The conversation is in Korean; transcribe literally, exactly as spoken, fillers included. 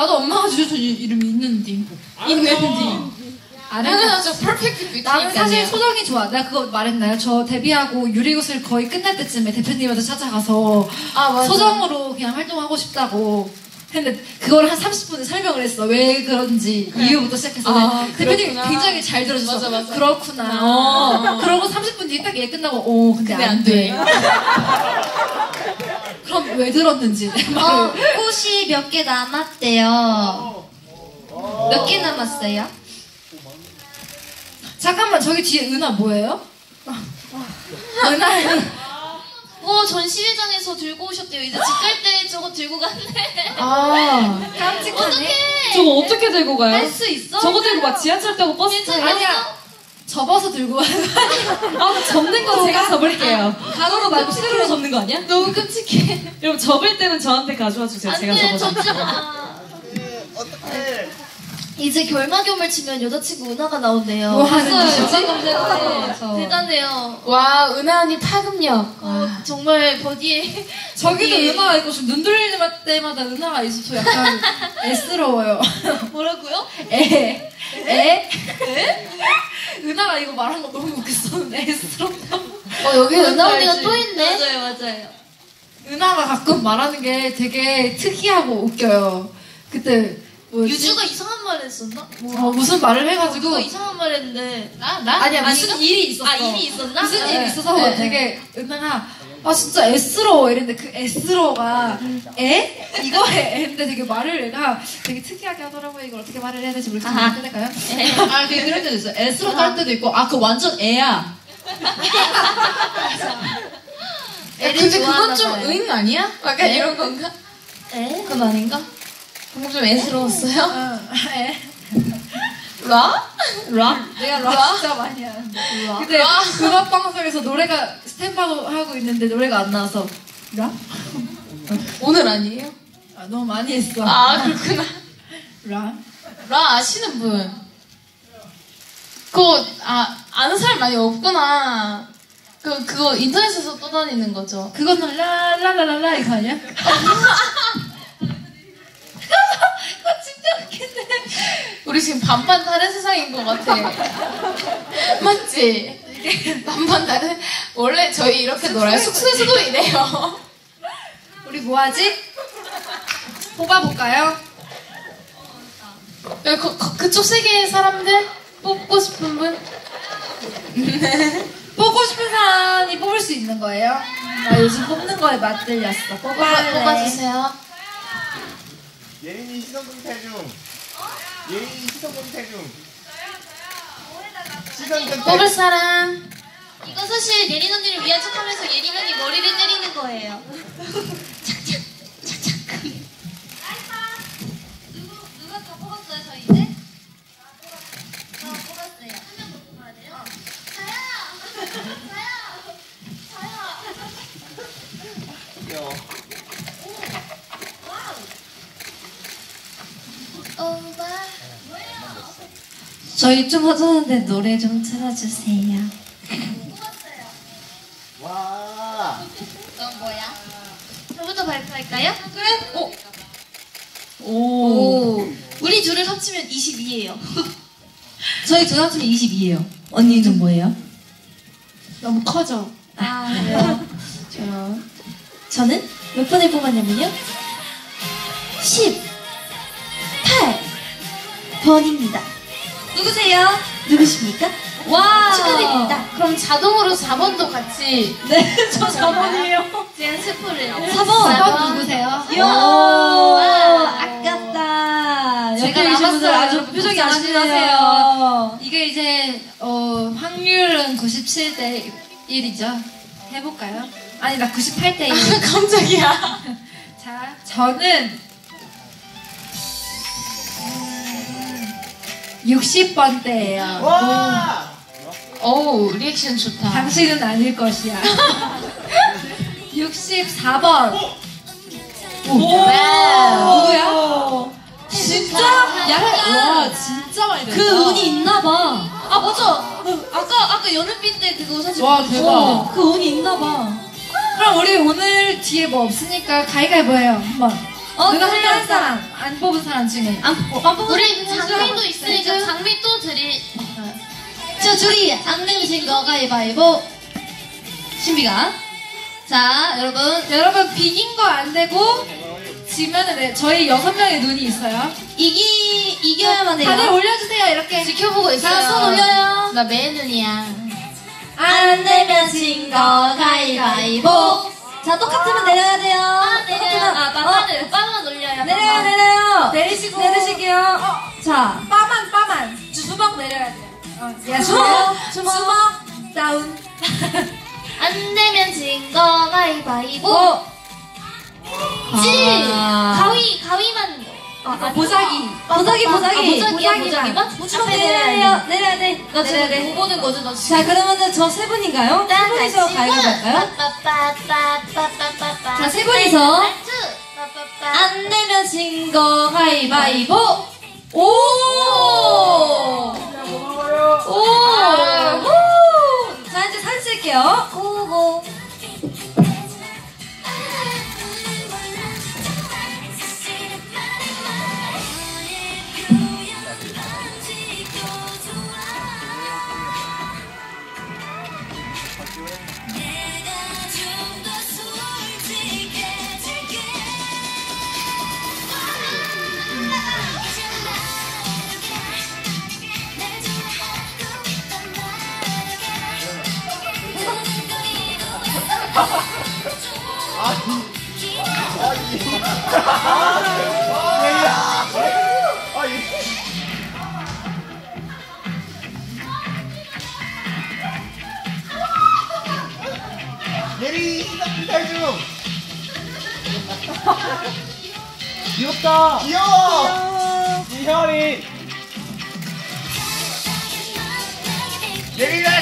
나도 엄마가 지어준 이름이 있는디. 있는디. 당연하죠. 퍼펙트 나는 사실 소정이 좋아. 내가 그거 말했나요? 저 데뷔하고 유리구슬 거의 끝날 때쯤에 대표님한테 찾아가서 아, 소정으로 그냥 활동하고 싶다고 했는데 그걸 한 삼십 분에 설명을 했어. 왜 그런지 그래. 이유부터 시작해서 아, 대표님이 굉장히 잘 들어주셔서 맞아, 맞아. 그렇구나. 어. 그러고 삼십 분 뒤에 딱 얘기 끝나고 오 근데, 근데 안 돼. 그럼 왜 들었는지 어, 꽃이 몇 개 남았대요. 몇 개 남았어요? 잠깐만 저기 뒤에 은하 뭐예요? 은하 어 전시회장에서 들고 오셨대요. 이제 집 갈 때 저거 들고 갔네. 아 깜찍하네. 어떡해. 저거 어떻게 들고 가요? 할 수 있어? 저거 들고 막 지하철 타고 버스 타고 아니야 접어서 들고 가요. 아 접는 거 제가 접을게요. 가로로 말고 실으로 접는 거 아니야? 너무 끔찍해. 여러분 접을 때는 저한테 가져와 주세요. 제가 안돼 접어서. 접지 마. 어떡해. 이제 결막염을 치면 여자친구 은하가 나온대요. 뭐 하는 거지? 대단해요. 와 은하 언니 파급력. 어, 정말 버디에 저기도 은하가 있고 지금 눈 돌릴 때마다 은하가 있어. 저 약간 애스러워요. 뭐라고요? 애. 애? 애? 은하가 이거 말한 거 너무 웃겼었는데 애스럽다고. 어 여기 은하 언니가 또 있네. 맞아요 맞아요. 은하가 가끔 말하는 게 되게 특이하고 웃겨요. 그때 뭐였지? 유주가 이상한 말 했었나? 뭐. 어, 무슨 말을 해가지고 누가 이상한 말 했는데 나? 나? 아니야 무슨 아닌가? 일이 있었어. 아 일이 있었나? 무슨 네. 일이 있어서 네. 되게 은하가 아 진짜 애스러워 이랬는데 그 애스러워가 애? 이거에 애인데 되게 말을 얘가 되게 특이하게 하더라고요. 이걸 어떻게 말을 해야 될지 모르겠지만 끝낼까요? 아 그게 그럴 때도 있어. 애스럽다 할 때도 있고 아 그 완전 애야. 근데 그건 좀 응 아니야? 약간 애? 이런 건가? 에? 그건 아닌가? 방금 좀 애스러웠어요? 응, 애. 라? 라? 내가 라 진짜 많이 하는데. 근데 음악 방송에서 노래가 스탠바로 하고 있는데 노래가 안 나와서 라? 오늘 아니에요? 아, 너무 많이 했어. 아 그렇구나. 라? 라 아시는 분? 그거 아 아는 사람 많이 없구나. 그 그거 인터넷에서 떠다니는 거죠. 그거는 라라라라라 이거 아니야? 그거 진짜 웃긴데. 우리 지금 반반 다른 세상인 것 같아. 맞지? 반반 다른. 원래 저희 이렇게 놀아요. 숙소에서도 이래요. 우리 뭐하지? 뽑아볼까요? 그, 그, 그쪽 세계의 사람들 뽑고 싶은 분? 뽑고 싶은 사람이 뽑을 수 있는 거예요? 나 요즘 뽑는 거에 맛들렸어. 뽑아할래. 뽑아주세요. 예린이 시선공태 중. 예린이 시선공태 중. 시선공태. 뽑을 사람. 이거 사실 예린 언니를 위한 척하면서 예린 언니 머리를 때리는 거예요. 착착 착착. 누구 누가 더 뽑았어요 저 이제? 저 뽑았어요. 한 명 더 뽑아야 돼요? 저요. 저요. 저요. 귀여워. 오빠. 저희 좀 허전한데 노래 좀 틀어주세요. 와. 넌 뭐야? 저부터 발표할까요? 그래? 오. 오. 오. 우리 둘을 합치면 이십이예요. 저희 두 합치면 이십이에요. 언니는 뭐예요? 너무 커져. 아, 그래요? 저, 저는 몇 번을 뽑았냐면요. 십팔 번입니다. 누구세요? 누구십니까? 와. 축하드립니다. 그럼 자동으로 사 번도 같이. 네, 저 사 번이에요. 제가 스포를. 사 번. 사 번 누구세요? 이야, 와. 아깝다. 제가 옆에 계신 분들 남았어요. 아주 표정이 걱정하시네요. 아시네요. 이게 이제 어, 확률은 구십칠 대 일이죠. 해볼까요? 아니 나 구십팔 대 일. 깜짝이야. 자, 저는 육십 번대예요. 와. 어우 리액션 좋다. 당신은 아닐 것이야. 육십사 번. 와우. 누구야? 진짜? 약간 와 진짜 많이 된다. 그 운이 있나봐. 아 맞아. 아까 아까 연은빛 때 그거 사실. 와 대박. 어, 그 운이 있나봐. 그럼 우리 오늘 뒤에 뭐 없으니까 가위가위보 해요. 한번. 어, 누가 그래요. 한 사람 안 뽑은 사람 중에 안, 어, 안 뽑은 우리 장미도 있으니까 장미 또 드리. 저 둘이 안 내미신 거 가위바위보. 신비가. 자, 여러분. 여러분 비긴 거 안 되고 지면은 네, 저희 여섯 명의 눈이 있어요. 이기, 이겨야만 해요. 다들 올려주세요 이렇게. 지켜보고 있어요. 자, 손 올려요. 나 매의 눈이야. 안 내면 진 거 가위바위보. 자, 똑같으면 내려야 돼요. 아, 내려요. 똑같으면- 아, 빠만, 빠만 올려요. 내려요, 내려요. 내리시고 내리실게요. 자, 빠만 빠만 주먹 내려야 돼요. 어, 야, 주먹, 주먹, 주먹 다운. 안 내면 진 거 가위바위보. 오. 찌! 아. 가위, 가위만. 아, 아, 보자기. 보자기, 보자기. 아, 보자기야, 보자기만. 보자기만? 주먹 앞에 내려야 돼요. 내려야 돼. 나 내려야 지금 돼. 못 보는 거지, 나 지금. 자, 그러면은 저 세 분인가요? 세 분이서 가위바위보 할까요? 자, 세 분이서. 안 내면 진 거 가위바위보. 오! 오! 오! 자, 이제 사진 찍을게요. 고고. 아, 이. 예리 시선공개 탈중. 귀엽다. 귀여워. 이현이. 예리가